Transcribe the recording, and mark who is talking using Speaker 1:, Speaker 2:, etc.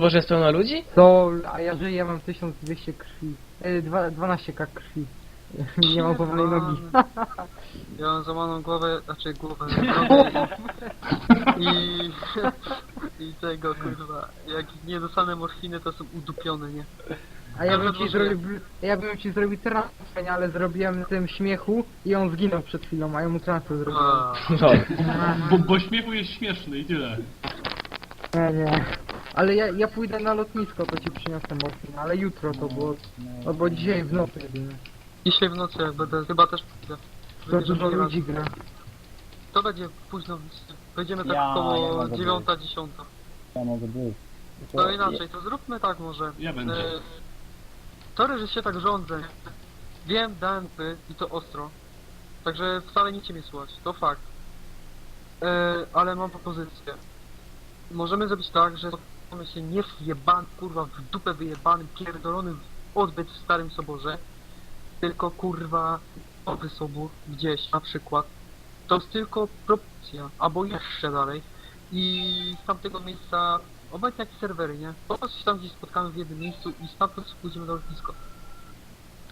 Speaker 1: dworze jest pełno ludzi?
Speaker 2: To, a ja żyję, ja mam 1200 krwi. 12k krwi. Nie mam wolnej nogi.
Speaker 3: Ja mam złamaną głowę, znaczy głowę, nogę i... I tego kurwa, jak nie dostanę morfiny, to są udupione, nie?
Speaker 2: A ja bym ci
Speaker 3: Może-
Speaker 2: zrobił, transfer, nie, ale zrobiłem na tym śmiechu i on zginął przed chwilą, a ja mu transfer zrobiłem.
Speaker 3: A,
Speaker 1: No.
Speaker 4: Bo śmiechu jest śmieszny i tyle.
Speaker 2: Nie. Ale ja pójdę na lotnisko, to ci przyniosę morfinę, ale jutro to było, bo dzisiaj w nocy jedynie.
Speaker 3: dzisiaj w nocy jak będę, chyba też pójdę.
Speaker 2: To
Speaker 3: Będzie
Speaker 2: dużo
Speaker 3: drugi raz.
Speaker 2: ludzi gra.
Speaker 3: To będzie późno, będziemy tak
Speaker 5: Ja
Speaker 3: około
Speaker 5: mogę
Speaker 3: 9-10.
Speaker 5: Ja mogę być.
Speaker 3: To inaczej, to zróbmy tak może.
Speaker 4: Ja będę.
Speaker 3: Sorry, że się tak rządzę. Wiem, dałem i to ostro. Także wcale nie cię mnie słuchać, to fakt. Ale mam propozycję. Możemy zrobić tak, że spotkamy się nie w jebany, kurwa, w dupę wyjebanym, pierdolonym odbyt w Starym Soborze, tylko kurwa Nowy Sobór gdzieś na przykład. To jest tylko propozycja, albo jeszcze dalej. I z tamtego miejsca obecnie jakieś serwery, nie? Po prostu się tam gdzieś spotkamy w jednym miejscu i stamtąd pójdziemy do lotniska.